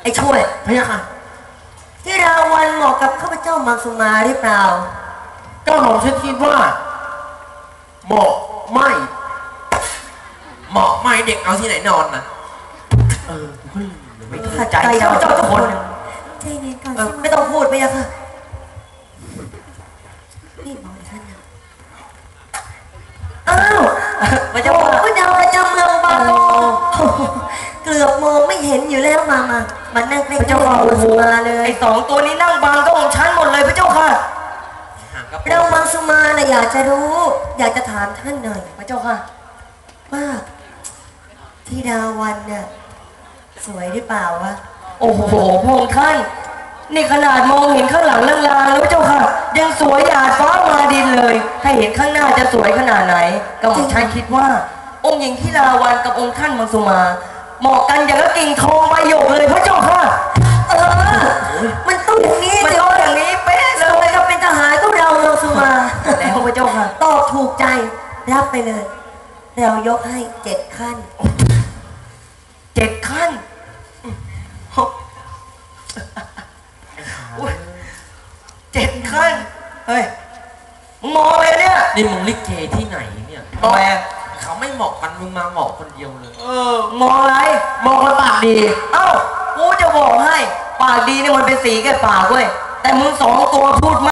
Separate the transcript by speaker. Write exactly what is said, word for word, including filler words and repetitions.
Speaker 1: ไอ้ช่วยพะยะค่ะที่ราวันเหมาะกับข้าพเจ้ามังสุมาหรือเปล่าก็หม่อมฉันคิดว่าเหมาะไม่เหมาะไม่เด็กเอาที่ไหนนอนนะเออไม่เข้าใจเจ้าเจ้าทุกคนใจเย็นก่อนไม่ต้องพูดพะยะค่ะนี่มองท่านนะอ้าวพระเจ้าพระเจ้าประจำเมืองบางโลเกือบมองไม่เห็นอยู่แล้วมามามันนั่งใกล้พระเจ้าค่ะโอ้โหมาเลยไอ้สองตัวนี้นั่งบังก็ของฉันหมดเลยพระเจ้าค่ะเรามังสุมาน่ะอยากจะรู้อยากจะถามท่านหน่อยพระเจ้าค่ะว่าที่ดาวันน่ะสวยหรือเปล่าวะโอ้โหพงท่านนี่ขนาดมองเห็นข้างหลังลางๆแล้วเจ้าค่ะยังสวยหยาดฟ้ามาดินเลยถ้าเห็นข้างหน้าจะสวยขนาดไหนก็ผมฉันคิดว่าองค์หญิงที่ดาวันกับองค์ท่านมังสุมาเหมาะกันอย่างกับกิ่งทองใบหยกเลยพระเจ้าค่ะเออมันต้องอย่างนี้มันต้องอย่างนี้เป๊ะเลยก็เป็นทหารก็เรามังสุมาแล้วพระเจ้าค่ะตอบถูกใจรับไปเลยเรายกให้เจ็ดขั้นเจ็ดขั้นเจ็ดขั้นเฮ้ยมึงมองเลยเนี่ยนี่มึงลิเกที่ไหนเนี่ยทำไมเขาไม่เหมาะกันมึงมาเหมาะคนเดียวเลยเออมองอะไรมองแล้วปากดีเอ้ากูจะบอกให้ปากดีนี่มันเป็นสีแก่ปากเว้ยแต่มึงสองตัวพูด